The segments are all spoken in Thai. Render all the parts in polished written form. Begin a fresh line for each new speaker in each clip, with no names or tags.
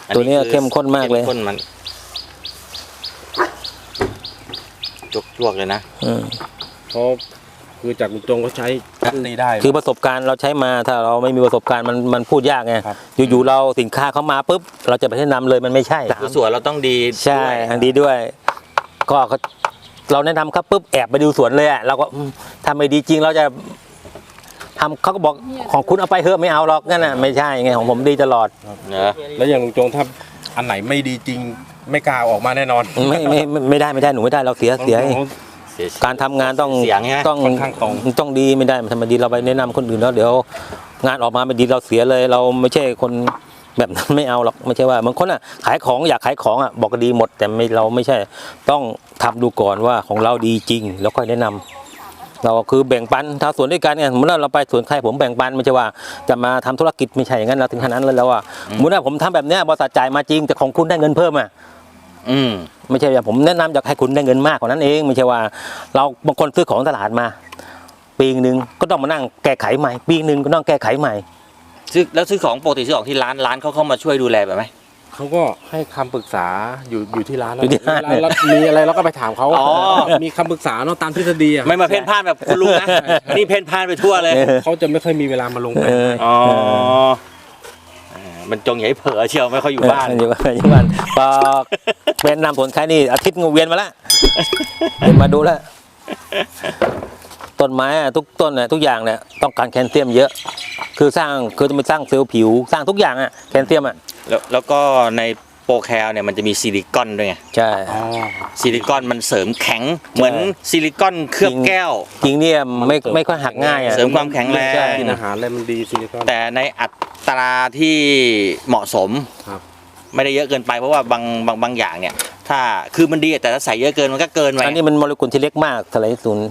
ตัวนี้เข้มข้นมากเลย
ข้นมันจวกเลยนะ
เพราะคือจากลุงจงเขาใช้ตีได้
คือประสบการณ์เราใช้มาถ้าเราไม่มีประสบการณ์มันพูดยากไงอยู่ๆเราสินค้าเขามาปุ๊บเราจะไปแนะนำเลยมันไม่ใช่
สวนเราต้องดี
ใช่ดีด้วยก็เราแนะนำครับปุ๊บแอบไปดูสวนเลยอ่ะเราก็ทำไม่ดีจริงเราจะทำเขาก็บอกของคุณเอาไปเถอะไม่เอาหรอกนั่นน่ะไม่ใช่ไงของผมดีตลอด
แล้วอย่างลุงจงถ้าอันไหนไม่ดีจริงไม่กล้าออกมาแน่นอน
ไม่ได้หนูไม่ได้เราเสียการทำงานต้องดีไม่ได้ทำไมดีเราไปแนะนำคนอื่นแล้วเดี๋ยวงานออกมาไม่ดีเราเสียเลยเราไม่ใช่คนแบบนั้นไม่เอาหรอกไม่ใช่ว่าบางคนอ่ะขายของอยากขายของอ่ะบอกดีหมดแต่เราไม่ใช่ต้องทำดูก่อนว่าของเราดีจริงแล้วค่อยแนะนำเราคือแบ่งปันถ้าสวนด้วยกันเนี่ยเมื่อเราไปสวนใครผมแบ่งปันไม่ใช่ว่าจะมาทำธุรกิจไม่ใช่อย่างนั้นเราถึงขนาดนั้นแล้วว่าเมื่อผมทำแบบเนี้ยบริษัทจ่ายมาจริงแต่ของคุณได้เงินเพิ่มอ่ะไม่ใช่ว่าผมแนะนำอยากให้คุณได้เงินมากกว่านั้นเองไม่ใช่ว่าเราบางคนซื้อของตลาดมาปีนึงก็ต้องมานั่งแก้ไขใหม่ปีนึงก็ต้องแก้ไขใหม่
ซื้อของปกติซื้อของที่ร้านเขาเข้ามาช่วยดูแลแบบไหม
เขาก็ให้คำปรึกษาอยู่ที่ร้านแล้วมีอะไรเราก็ไปถามเขามีคำปรึกษาเนาะตามทฤษฎี
ไม่มาเพ่นพ่านแบบคุณลุงนะนี่เพ่นพ่านไปทั่วเลย
เขาจะไม่ค่อยมีเวลามาลงไป
มันจงใหญ่เผลอเชียวไม่ค่อยอยู่บ้าน
อยู่บ้านพอเป็นนำผลใครนี่อาทิตย์งูเวียนมาแล้วมาดูแล้วต้นไม้ทุกต้นทุกอย่างเนี่ยต้องการแคลเซียมเยอะคือจะไปสร้างเซลล์ผิวสร้างทุกอย่างแคลเซียม
แล้วก็ในโปรแคลเนี่ยมันจะมีซิลิคอนด้วยไง
ใช่
ซิลิคอนมันเสริมแข็งเหมือนซิลิคอนเคลือบแก้ว
จริงเนี่ยไม่ค่อยหักง่าย
เสริมความแข็งแรง
กินอาหารอะไรมันดีซิลิคอน
แต่ในอัตราที่เหมาะสมไม่ได้เยอะเกินไปเพราะว่าบางอย่างเนี่ยถ้าคือมันดีแต่ถ้าใส่เยอะเกินมันก็เกินไป
อันนี้มันโมเลกุลที่เล็กมากเท่าไหร่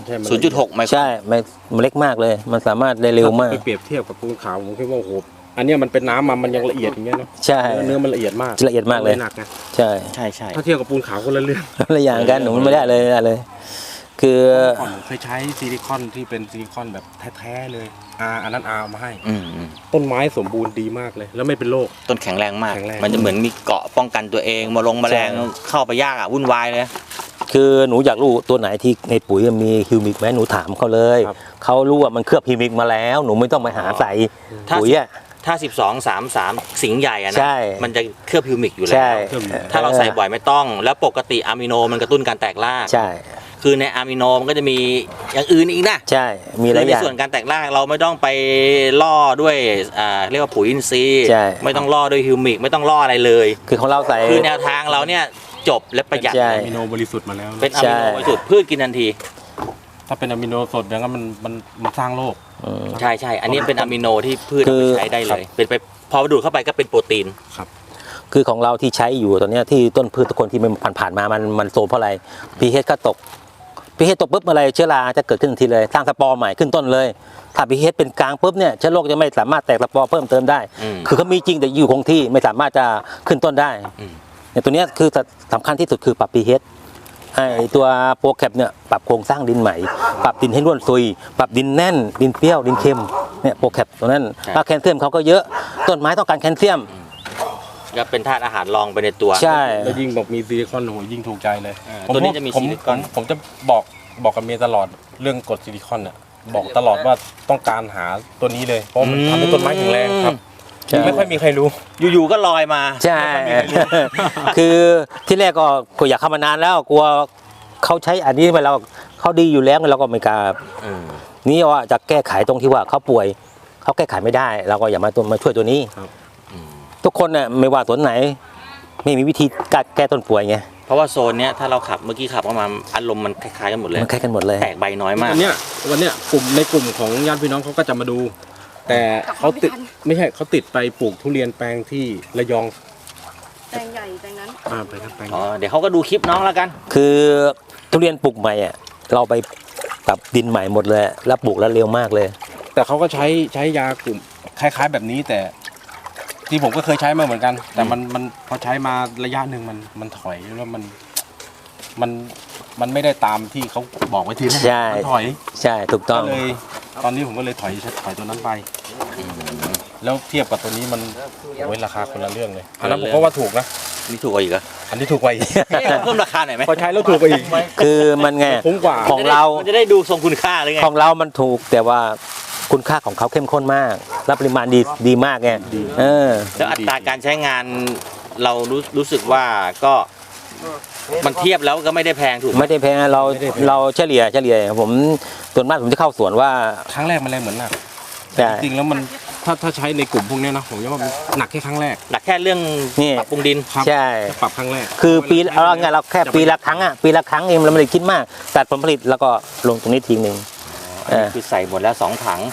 0.6 ไมโคร
ใช่มันเล็กมากเลยมันสามารถได้เร็วมาก
ไปเปรียบเทียบกับปูนขาวผมคิดว่าโอ้โหอันนี้มันเป็นน้ำมันยังละเอียดอย่างเงี้ยเนาะ
ใช่
เนื้อมันละเอียดมาก
ละเอียดมากเลย
หนักไง
ใช่
ถ้าเทียบกับปูนขาวคนละเรื่อง
ละอย่างกันหนูไม่ได้เลยคือ
เคยใช้ซิลิคอนที่เป็นซิลิคอนแบบแท้ๆเลยอันนั้นเอามาให้ต้นไม้สมบูรณ์ดีมากเลยแล้วไม่เป็นโรค
ต้นแข็งแรงมากมันจะเหมือนมีเกาะป้องกันตัวเองแมลงเข้าไปยากวุ่นวายเลย
คือหนูอยากรู้ตัวไหนที่ในปุ๋ยมีฮิวมิกไหมหนูถามเขาเลยเขารู้ว่ามันเคลือบฮิวมิกมาแล้วหนูไม่ต้องไปหาใส่ปุ๋ย
ถ้า12-3-3สิงห์ใหญ่นะมันจะเคลือบฮิวมิกอยู่แล้วถ้าเราใส่บ่อยไม่ต้องแล้วปกติอะมิโนมันกระตุ้นการแตกราก
ใช่
คือในอะมิโนมันก็จะมีอย่างอื่นอีกนะ
ใช่มีหลายอย่าง
ในส่วนการแตกรากเราไม่ต้องไปล่อด้วยเรียกว่าปุ๋ยอินทรีย์ไม่ต้องล่อด้วยฮิวมิกไม่ต้องล่ออะไรเลย
คือของเราใส่
คือแนวทางเราเนี่ยจบและประหยัด
อะมิโนบริสุทธิ์มาแล้ว
เป็นอะมิโนบริสุทธิ์พืชกินทันที
ถ้าเป็นอะมิโนสดอย่างนั้นมันสร้างโรค
ใช่อันนี้เป็นอะมิโนที่พืชใช้ได้เลยเป็นไปพอดูดเข้าไปก็เป็นโปรตีน
ครับคือของเราที่ใช้อยู่ตอนนี้ที่ต้นพืชทุกคนที่มันผ่านมามันโซมเพราะอะไร pH ก็ตก pH ตกปุ๊บอะไรเชื้อราจะเกิดขึ้นทีเลยสร้างสปอร์ใหม่ขึ้นต้นเลยถ้า pH เป็นกลางปุ๊บเนี่ยเชื้อโรคจะไม่สามารถแตกสปอร์เพิ่มเติมได้คือเขามีจริงแต่อยู่คงที่ไม่สามารถจะขึ้นต้นได้เนี่ยตัวนี้คือสำคัญที่สุดคือปรับ pH ไอตัวโปรแคปเนี่ยปรับโครงสร้างดินใหม่ปรับดินให้ร่วนซุยปรับดินแน่นดินเปรี้ยวดินเค็มเนี่ยโปรแคปตัวนั้นถ้าแคลเซียมเขาก็เยอะต้นไม้ต้องการแคลเซียม
ก็เป็นธาตุอาหารรองไปในตัว
ใช่
แล้วยิ่งบอกมีซิลิคอนโหยิ่งถูกใจเลย
ตัวนี้จะมีซิลิคอน
ผมจะบอกกับเมียตลอดเรื่องกรดซิลิคอนเนี่ยบอกตลอดว่าต้องการหาตัวนี้เลยเพราะมันทำให้ต้นไม้แข็งแรงครับไม่ค่อยมีใครรู้
อยู่ๆก็ลอยมา
ใช่คือที่แรกก็อยากเข้ามานานแล้วกลัวเขาใช้อันนี้ไปเราเขาดีอยู่แล้วเราก็ไม่กล้านี่ว่าจะแก้ไขตรงที่ว่าเขาป่วยเขาแก้ไขไม่ได้เราก็อย่ามาช่วยตัวนี้ทุกคนเนี่ยไม่ว่าสวนไหนไม่มีวิธีแก้ต้นป่วยไง
เพราะว่าโซนเนี้ยถ้าเราขับเมื่อกี้ขับเข้ามาอารมณ์มันคล้ายๆกันหมดเลย
มันคล้ายกันหมดเลย
แตกใบน้อยมาก
วันเนี้ยในกลุ่มของญาติพี่น้องเขาก็จะมาดูแต่เขาติดไม่ใช่เขาติดไปปลูกทุเรียนแปลงที่ระยอง
แปลงใหญ่แปลงนั้น
ไปครับแปลง
เดี๋ยวเขาก็ดูคลิปน้องแล้วกัน
คือทุเรียนปลูกใหม่เราไปปรับดินใหม่หมดเลยแล้วปลูกแล้วเร็วมากเลย
แต่เขาก็ใช้ยากลุ่มคล้ายๆแบบนี้แต่ที่ผมก็เคยใช้มาเหมือนกันแต่มันพอใช้มาระยะหนึ่งมันถอยแล้วมันไม่ได้ตามที่เขาบอกไว้ทีแรก
มัน
ถอย
ใช่ถูกต้อง
เลยตอนนี้ผมก็เลยถอยตัวนั้นไปแล้วเทียบกับตัวนี้มันโอ้ยราคาคนละเรื่องเลยอันนั้นผมก็ว่าถูกนะ
นี่ถูกกว่าอีกเหรอ
อันนี้ถูกกว่าอีก
เพิ่มราคาหน่อยไหม
พอใช้แล้วถูกกว่าอีก
คือมันไง
คุ้มกว่า
ของเรา
มันจะได้ดูทรงคุณค่าเลยไง
ของเรามันถูกแต่ว่าคุณค่าของเขาเข้มข้นมากและปริมาณดีมากไงเออ
แล้วอัตราการใช้งานเรารู้สึกว่าก็มันเทียบแล้วก็ไม่ได้แพงถูกไหม
ไม่ได้แพงเราเฉลี่ยผมส่วนมากผมจะเข้าสวนว่า
ครั้งแรกมันแรงเหมือนหนัก
แต่
จริงๆแล้วมันถ้าใช้ในกลุ่มพวกเนี้ยนะผมว่ามันหนักแค่ครั้งแรก
หนักแค่เรื่อง
นี่
ปรับปรุงดิน
ครับ
ใช่
ปรับครั้งแรก
คือปีเราไงเราแค่ปีละครั้งปีละครั้งเองเราไม่ได้คิดมากตัดผลผลิตแล้วก็ลงตรงนี้ทีนึง
คือใส่หมดแล้ว2 ถัง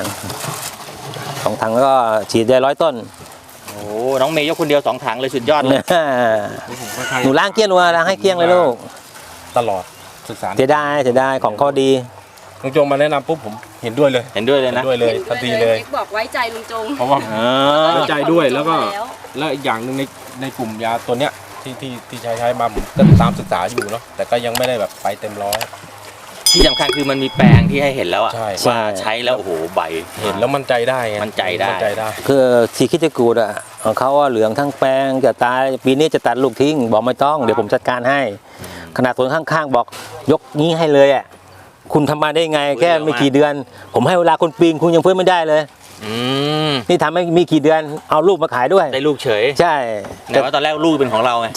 2 ถังแล้วก็ฉีดได้100 ต้น
โอ้น้องเมย์ยกคนเดียว2 ถังเลยสุดยอดเลย
หนูล้างเกลี้ยงล้างให้เกลี้ยงเลยลูก
ตลอดศึกษา
เสียดายของเขาดี
ลุงจงมาแนะนำปุ๊บผมเห็นด้วยเลย
เห็นด้วยเลย
เห็
นะ
นด้วยเลยทันทีเลย
บอกไว้ใจลุงจง
เพราะว่า
อ่า
ไว้ใจด้วยแล้วก็แล้วอีกอย่างหนึ่งในกลุ่มยาตัวเนี้ยที่ใช้มาผมก็ตามศึกษาอยู่เนาะแต่ก็ยังไม่ได้แบบไปเต็มร้อย
ที่สำคัญคือมันมีแปลงที่ให้เห็นแล้วอะ
ใช่
ว่าใช้แล้วโอ้โหใบ
เห็นแล้วมั่นใจได้ไง
มั่นใจได้
มั่นใจได้
คือทีคิดจะกูดของเขาเหลืองทั้งแปลงจะตายปีนี้จะตัดลูกทิ้งบอกไม่ต้องเดี๋ยวผมจัดการให้ ขนาดสวนข้างๆบอกยกนี้ให้เลยคุณทำมาได้ไงแค่ไม่กี่เดือน ผมให้เวลาคนปีนคุณยังเพิ่มไม่ได้เลย
อืม
นี่ทำให้มีกี่เดือนเอาลูกมาขายด้วย
ได้ลูกเฉย
ใช่
แต่ว่าตอนแรกลูกเป็นของเราไง
ใช่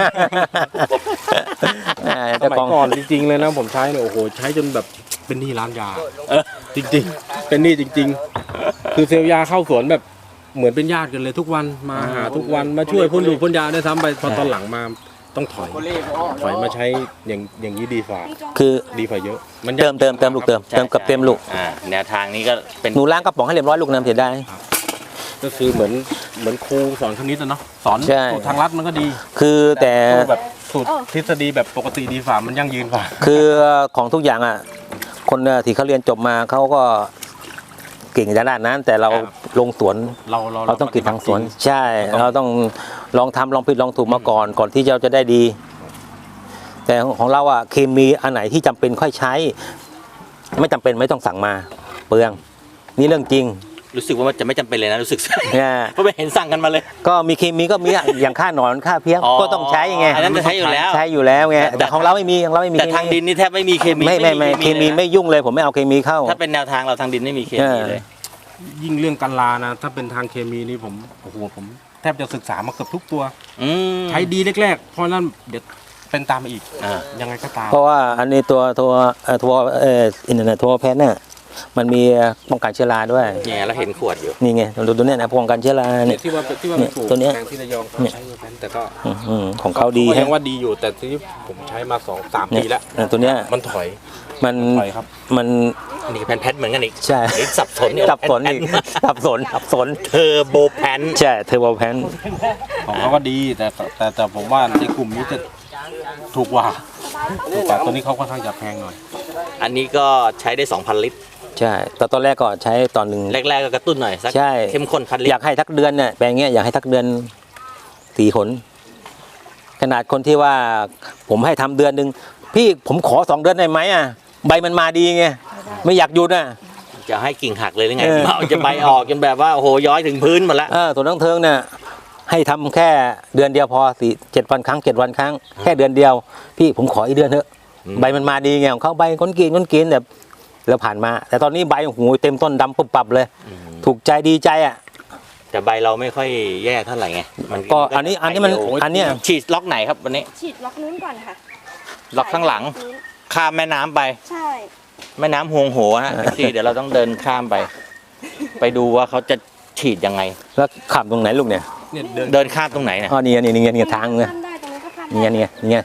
ส
เจ้า
มัย
ของ
ก่อนจริงๆเลยนะผมใช้เนี่ยโอ้โหใช้จนแบบเป็นหนี้ร้านยาจริงๆ เป็นหนี้จริง ๆ คือเซลล์ยาเข้าสวนแบบเหมือนเป็นญาติกันเลยทุกวันมาหาทุกวันมาช่วยพ่นดูพ่นยาได้ซ้ำไปพอตอนหลังมาต้องถอยมาใช้อย่างนี้ดีกว่า
คือ
ดีกว่าเยอะ มัน
เติมลูกเติมกับเต็มลูก
แนวทางนี้ก็เป็น
หนูล้างกระป๋องให้เรียบร้อยลูกน้ำเสียได้
ก็คือเหมือนครูสอนคณิตอะเนาะสอน
ใช่
สูตรทางลัดมันก็ดี
คือแต่
แบบสูตรทฤษฎีแบบปกติดีกว่ามันยั่งยืนกว่า
คือของทุกอย่างคนที่เขาเรียนจบมาเขาก็เก่งด้านนั้น แต่เราลงสวน เราต้องกินทางสวน ใช่ เราต้องลองทำลองผิดลองถูกมาก่อนที่เราจะได้ดี แต่ของเราเคมีอันไหนที่จำเป็นค่อยใช้ ไม่จำเป็นไม่ต้องสั่งมาเปลืองนี่เรื่องจริง
รู้สึกว่ามันจะไม่จำเป็นเลยนะรู้สึก
เนี่ย
เพราะไม่เห็นสั่งกันมาเลย
ก็มีเคมีก็มีอย่างค่าหนอนค่าเพี้ย
อ๋อ
ก็ต้องใช้ไง
อันนั้นจะใช้อยู่แล้ว
ใช้อยู่แล้วไงแต่ของเราไม่มีของเราไม่มี
แต่ทางดินนี่แทบไม่มีเคมี
ไม่เคมีไม่ยุ่งเลย ผมไม่เอาเคมีเข้า
ถ้าเป็นแนวทางเราทางดินไม่มีเคมีเลย
ยิ่งเรื่องการลานะถ้าเป็นทางเคมีนี่ผมโอ้โหผมแทบจะศึกษามาเกือบทุกตัว
อืม
ใช้ดีแรกๆเพราะนั้นเดี๋ยวเป็นตามมาอีก
อ่า
ยังไงก็ตาม
เพราะว่าอันนี้ตัวอินเทอร์เน็ตทัวแพทเนี่ยมันมีป้องกันเชื้อราด้วย
เนี่ยเราเห็นขวดอยู่
นี่ไงดูตัวเนี้ยนะป้องกันเชื้อราเนี่ย
ที่ว่าไปปลูก
ตัวเนี้ย
แปลงที่ระยองเขาใช้เวอร์แพนแต่ก็
ของเขาดี
ก็
ฮะ
ยังว่าดีอยู่แต่ที่ผมใช้มา2-3 ปีแล้ว
ตัวเนี้ย
มันถอย
มัน
ถอยครับ
มัน
นี่แพนเหมือนกันอีก
ใช่
เฮ้ยสับสนเนี่ย
สับสนอีกสับสน
เทอร์โบแพน
ใช่เทอร์โบแพน
ของเขาก็ดีแต่ผมว่าในกลุ่มนี้จะถูกกว่าตัวนี้เขาค่อนข้างจะแพงหน่อย
อันนี้ก็ใช้ได้ 2,000 ลิตร
ใช่แต่ตอนแรกก็ใช้ตอนหนึ่ง
แรกๆก็กระตุ้นหน่อยสัก
ใช่
เข้มข้น1,000 ลิ
อ
ต
ยาร กให้ทักเดือนเนี่ยแปลงเงี้ยอยากให้ทักเดือน4 หนขนาดคนที่ว่าผมให้ทำเดือนหนึ่งพี่ผมขอ2 เดือนได้ไหมใบมันมาดีไงไม่อยากหยุด
จะให้กิ่งหักเลยหรือไง
เออ
เอาจะใบออกจนแบบว่าโอ้โหย้อยถึงพื้นหมดแล้ว
ส่วนน้องเทิงเนี่ยให้ทำแค่เดือนเดียวพอ7 วันครั้ง7 วันครั้งแค่เดือนเดียว พี่ผมขออีกเดือนเถอะใบมันมาดีไงของเขาใบก้นกินแบบแล้วผ่านมา แต่ตอนนี้ใบหูเต็มต้นดำปุ๊บปับเลย ถูกใจดีใจ
แต่ใบเราไม่ค่อยแย่เท่าไหร่ไงมัน
ก็อันนี้มันอันเนี้ย
ฉีดล็อกไหนครับวันนี้
ฉีดล็อกนู้นก่อนค่ะ
ล็อกข้างหลัง
นู้น
ข้ามแม่น้ำไป
ใช่
แม่น้ำฮวงโหฮะเดี๋ยวเราต้องเดินข้ามไป ไปดูว่าเขาจะฉีดยังไง
แล้วขับตรงไหนลูกเนี่ย
เนี่ย
เดินข้ามตรงไหนเนี่ย
อ๋อนี่ทางเนี่ย
ข้ามได้ตรงนี้ก็ข้ามได้
นี่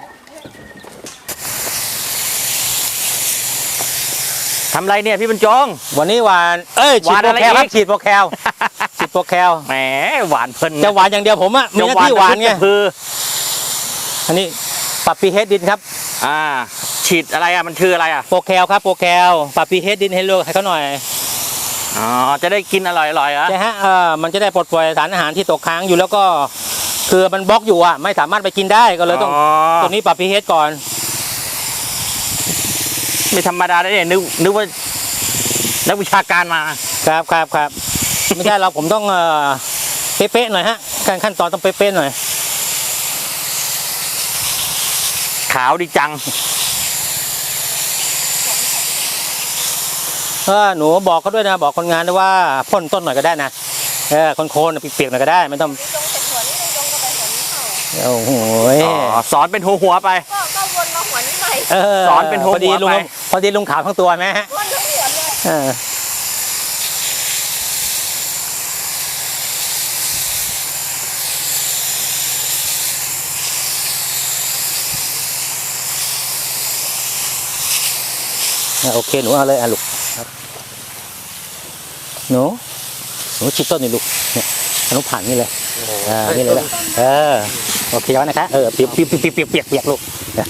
ทำไรเนี่ยพี่บรรจง
วันนี้หวานฉีด
หวาน
โป
อะ
ร
ไร
แคลครั
อี
บ
ก
ฉีดโปรแคลฉีดโปรแคล
แหมหวานเพลิน
จะหวานอย่างเดียวผมมีหน้าที่หวานไง
คือ
อันนี้ปรับปีเฮดดินครับ
ฉีดอะไรมันคืออะไร
โปรแคลครับโปรแคลปรับปีเฮดดินให้ลูกให้เขาหน่อย
อ๋อจะได้กินอร่อยๆเหรอ
ใช่ฮะมันจะได้ปลดปล่อยสารอาหารที่ตกค้างอยู่แล้วก็คือมันบล็อกอยู่ไม่สามารถไปกินได้ก็เลยต้องตัวนี้ปรับพีเฮดก่อน
ไม่ธรรมดาได้เนี่ยนึกว่านักวิชาการมา
ครับไม่ใช่เราผมต้องเป๊ะๆหน่อยฮะการขั้นตอนต้องเป๊ะๆหน่อย
ขาวดีจัง
หนูบอกเขาด้วยนะบอกคนงานด้วยว่าพ่นต้นหน่อยก็ได้นะโคนๆเปียกๆหน่อยก็ได้ไม่ต้อง
ลุงจงเสร็จหัวนี้ลุงจงก็ไปหัวนี้ต่อ
โอ้โห
สอนเป็นหัวไป
ก็วนมาหัวนี้ใหม่
สอนเป็นหัว
พอดีลุง
ไป
พอดีลุงขาวทั้งตัวไหมฮะ
วนทั้งหัวเลย
โอเคหนูเอาเลยลูกหนูชิดต้นนี่ลูกเนี่ยหนูผ่านนี่เลยนี่เลยโอเคแล้วนะคะเปียกลูก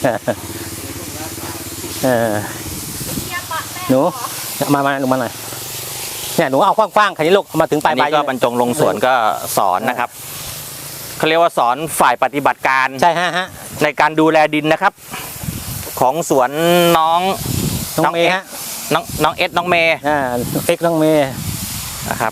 หนูมาหน่อยเนี่ยหนูเอากว้างๆคันนี้ลูกมาถึงปลาย
อันนี้ก็บรรจงลงสวนก็สอนนะครับเขาเรียกว่าสอนฝ่ายปฏิบัติการ
ใช่ฮะ
ในการดูแลดินนะครับ ของสวนน้อง
น้องเมย์ฮะ
น้องเอสน้องเมย์
เอ็กน้องเมย์
นะครับ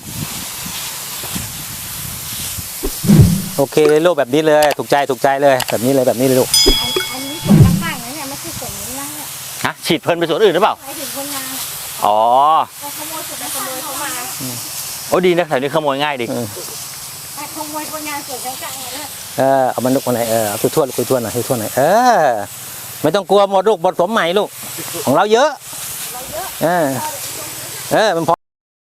โอเคเลยลูกแบบนี้เลยถูกใจเลยแบบนี้เลยลูก
อันนี้ส่วนข้างๆนะเนี่ยไม่ใช่ส่วนนี้นะเนี่ย
ฮะฉีดเพลินไปสวนอื่นหรือเปล่า
ไปถึงคนงาน
อ๋อ
เขาขโมยส่วนนั้นขโมยเขามา
โอ้ดีนะแถวนี้ขโมยง่ายดิ
ขโมยคนงานส่วนกลางๆเลย
เอามันลูกมาไหนเอาคุยทั่วหน่อยไม่ต้องกลัวหมดลูกหมดสมใหม่ลูกของเราเยอะมันพอ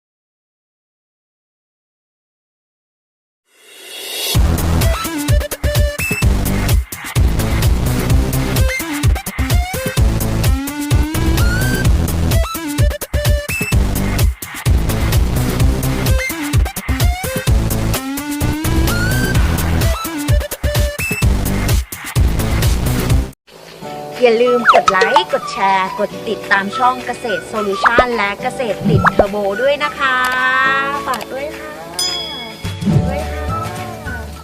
อย่าลืมกดไลค์ กดแชร์ กดติดตามช่องเกษตรโซลูชันและเกษตรติดเทอร์โบด้วยนะคะ ฝากด้วยค่ะ